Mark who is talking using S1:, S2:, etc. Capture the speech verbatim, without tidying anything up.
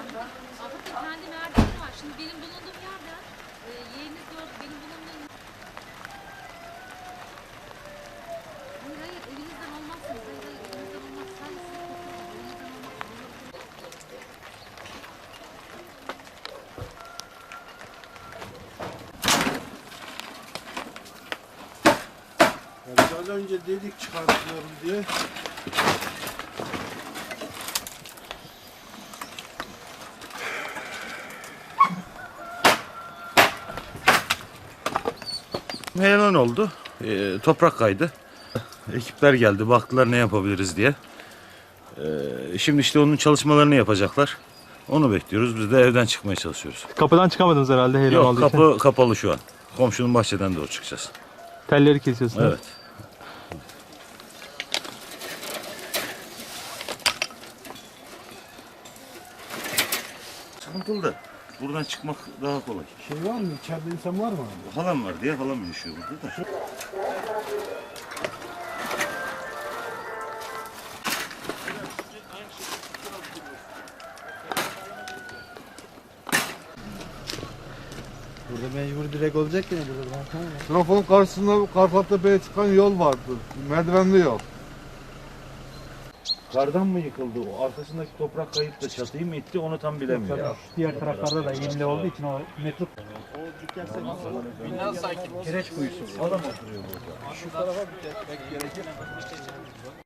S1: Aslında kendi merdiveni var. Şimdi benim bulunduğum yerden e, yeğeniniz gördü. Benim bulunduğum... Hayır hayır evinizden olmazsınız. Hayır hayır evinizden olmaz. Sadece siz kokuyorsunuz. Evinizden olmaz.
S2: Yani az önce dedik çıkartıyorum diye.
S3: Heyelan oldu. E, toprak kaydı. Ekipler geldi, baktılar ne yapabiliriz diye. E, şimdi işte onun çalışmalarını yapacaklar. Onu bekliyoruz. Biz de evden çıkmaya çalışıyoruz.
S4: Kapıdan çıkamadınız herhalde heyelan
S3: Yok,
S4: olduğu
S3: kapı
S4: için.
S3: kapalı şu an. Komşunun bahçeden doğru çıkacağız.
S4: Telleri kesiyorsunuz.
S3: Evet. Sıkıntılı da. Buradan çıkmak daha kolay.
S2: Şey var mı? İçeride insan var mı?
S3: Halam var diye halam yaşıyor burada da.
S5: Burada mecbur direkt olacak yine burada.
S2: Trafonun karşısında Karfattepe'ye çıkan yol vardı. Merdivenli yol.
S3: Kardan mı yıkıldı? O arkasındaki toprak kayıp da çatıyı mı itti onu tam bilemiyorum.
S5: Diğer taraflarda da yemli olduğu için o metruk. Bina sakin. Kireç kuyusu.
S3: Adam oturuyor burada.
S2: Şu tarafa bir tek gerekir.